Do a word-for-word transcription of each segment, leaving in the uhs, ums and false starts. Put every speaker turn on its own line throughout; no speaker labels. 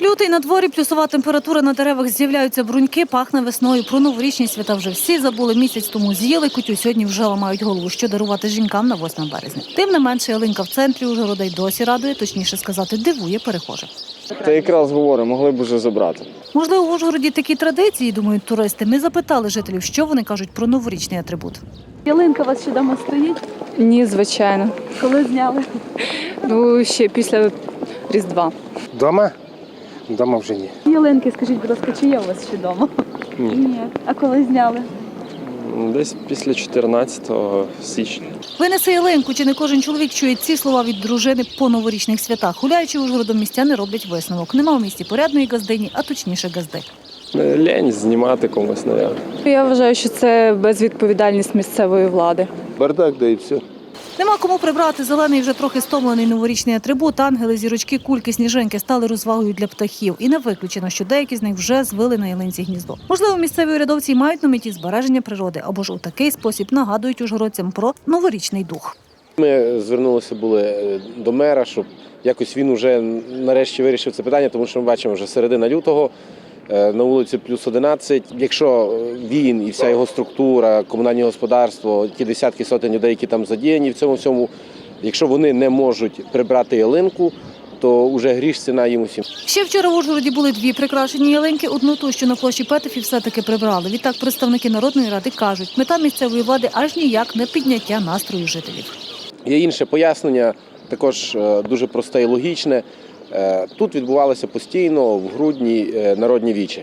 Лютий на дворі, плюсова температура, на деревах з'являються бруньки, пахне весною. Про новорічні свята вже всі забули. Місяць тому з'їли кутю, сьогодні вже ламають голову, що дарувати жінкам на восьме березня. Тим не менше, ялинка в центрі Ужгорода й досі радує, точніше сказати, дивує перехожих.
Та якраз говорю, могли б вже забрати.
Можливо, в Ужгороді такі традиції, думають туристи. Ми запитали жителів, що вони кажуть про новорічний атрибут.
Ялинка у вас ще вдома стоїть?
Ні, звичайно.
Коли зняли?
Ну, ще після Різдва.
Дома? Дома вже ні.
Ялинки, скажіть, будь ласка, чи є у вас ще вдома?
Ні.
Ні. А коли зняли?
Десь після чотирнадцятого січня.
Винеси ялинку, чи не кожен чоловік чує ці слова від дружини по новорічних святах. Гуляючи Ужгородом, містяни роблять висновок. Нема в місті порядної газдині, а точніше газди.
Лень знімати комусь, навіть.
Я вважаю, що це безвідповідальність місцевої влади.
Бардак, да і все.
Нема кому прибрати зелений, вже трохи стомлений новорічний атрибут. Ангели, зірочки, кульки, сніжинки стали розвагою для птахів. І не виключено, що деякі з них вже звили на ялинці гніздо. Можливо, місцеві урядовці й мають на меті збереження природи, або ж у такий спосіб нагадують ужгородцям про новорічний дух.
Ми звернулися були до мера, щоб якось він вже нарешті вирішив це питання, тому що ми бачимо вже середина лютого, на вулиці плюс одинадцять. Якщо він і вся його структура, комунальне господарство, ті десятки сотень людей, які там задіяні в цьому всьому, якщо вони не можуть прибрати ялинку, то вже гріш ціна їм усім.
Ще вчора в Ужгороді були дві прикрашені ялинки. Одну ту, що на площі Петефі, все-таки прибрали. Відтак представники Народної ради кажуть, мета місцевої влади аж ніяк не підняття настрою жителів.
Є інше пояснення, також дуже просте і логічне. Тут відбувалося постійно в грудні народні вічі.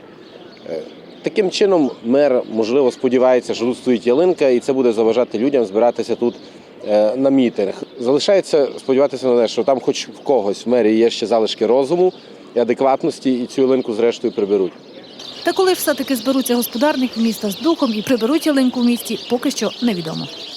Таким чином мер, можливо, сподівається, що тут стоїть ялинка і це буде заважати людям збиратися тут на мітинг. Залишається сподіватися на те, що там хоч в когось в мерії є ще залишки розуму і адекватності і цю ялинку зрештою приберуть.
Та коли ж все-таки зберуться господарники міста з духом і приберуть ялинку в місті, поки що невідомо.